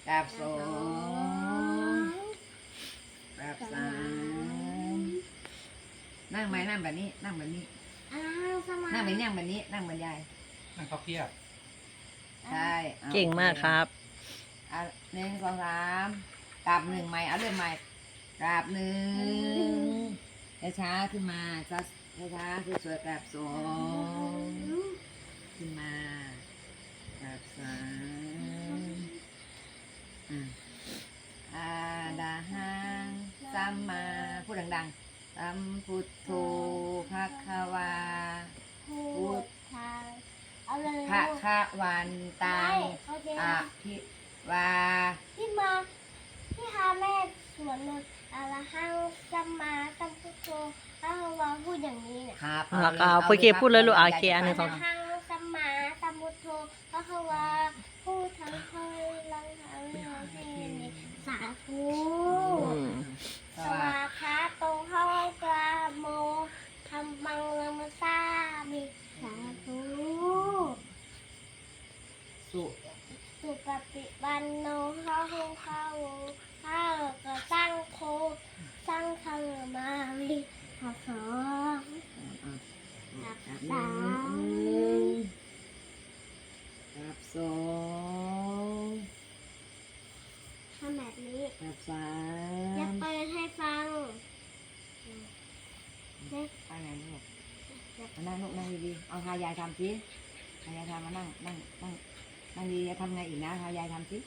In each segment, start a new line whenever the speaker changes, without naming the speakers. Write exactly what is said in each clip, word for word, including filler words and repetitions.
กราบสองกราบสามนั่งไหมนั่งแบบนี้นั่งแบบนี้
อ้าวสมา
นั่งแบบนี้นั่งแบบนี้นั่งบรรยาย
นั่งพับเพียบ
ใช่อ
เก่งมากครับ
อ่ะหนึ่งสองสามกราบหนึ่งใหม่เอาเรื่องใหม่กราบหนึ่งช้าๆขึ้นมาช้าช้าๆสวยๆกราบสองขึ้นมากราบสามอ่ะอาดาหังสัมมาพูดดังๆสัมพุทโธภะคะวา
พูดทางเอาเลย
ภะคะวันตัง
เขาเจ
อะภิวา
ที่มาที่พาแม่สวนนนอะระหังสัมมาสัมพุทโธพระวาพูดอย่างนี้เนี่ย
ครับ
แล้วก็เอาโอเคพูดเลยลูกเอาโอเคอันหนึ่งส
อะ
อง
ระหังสัมมาสัมพุทโธพระวาพูดทั้งเฮ้ยลังทั้งเฮสาธุ
อืม
ส
ส
วั
วา
สดี
คาโตเข้ากราโมธรรมังละมซามิสาธุ
สุ
สุปฏิปันโนข้าหงข้าวข้าวกระสร้างโคสร้างคามาวิขอสอง
กับหนึ่งกับสอง
ทำแบบนี้
กับสา
จะ
ม
เปิดให้ฟังเล็ก
ไปไหนลูกมานั่งลูกนั่งดีๆเอาทายายทำสิทายายทำมานั่งนั่งนั่งนั่งดีจะทำไงอีกนะทายายทำสิ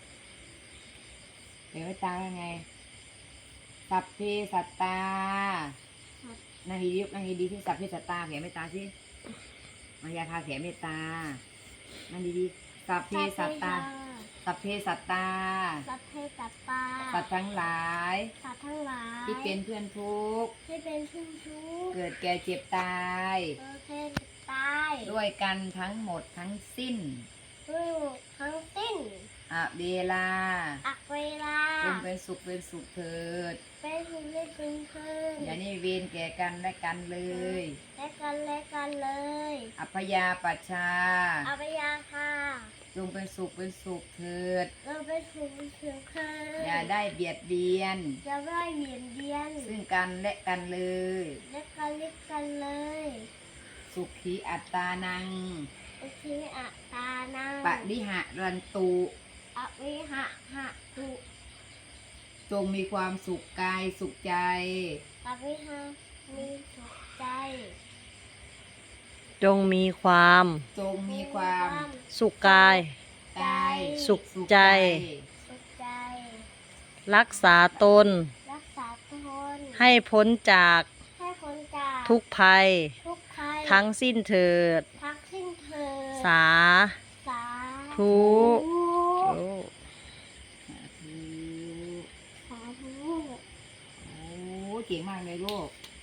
เดี๋ยวไว้ตาว่าไงสัพเพสัตตานั่งดีๆนั่งดีๆที่สัพเพสัตตาแผ่เมตตาสิมายาทาแผ่เมตตานั่งดีๆสัพเพสัตตา สัพเพสัตตา
สัพเพสัตตา
สัตว์ทั้งหลาย
สัตว์ทั้งหลาย
ที่เป็นเพื่อนทุกข์
ที่เป็นชุ่มชุก
เกิดแก่เจ็บตาย
เออเพศตาย
ด้วยกันทั้งหมดทั้งสิ้น
ด้วยทั้งสิ้น
อะเวลา
อักเวลา
จงเป็นสุขเป็นสุขเถิด
เป็นหุ่นเล่นเป็นเพื่อน
อย่าได้เวรแก่กันและกันเลย
และกันและกันเลย
อัพยาปัชชา
อาปยาค่ะ
จงเป็นสุขเป็นสุขเถิด
เราเป็นหุ่นเถื่อนเพื่อน
อย่าได้เบียดเบียน
จะได้เหยียดเบียน
ซึ่งกันและกันเลย
และกันเล็กกันเลย
สุขีอัตตานัง
อุทิอัตตานัง
ปะริหะรันตุ
อวิหะหะตุ
จงมีความสุขกายสุขใจ
อวิหะมีสุขใจ
จงมีความ
จงมีความ
สุขกาย
กาย
สุขใจ
สุขใจ
รักษาตน
รักษาตน
ให้พ้นจาก
ให้คนจาก
ทุกภัย
ทุกภัย
ทั้งสิ้นเถิด
ทั้งสิ้นเถิด
สา
สา
ธุ
สาธุ
สาธุ
โอ้เก่งมากเลยลูก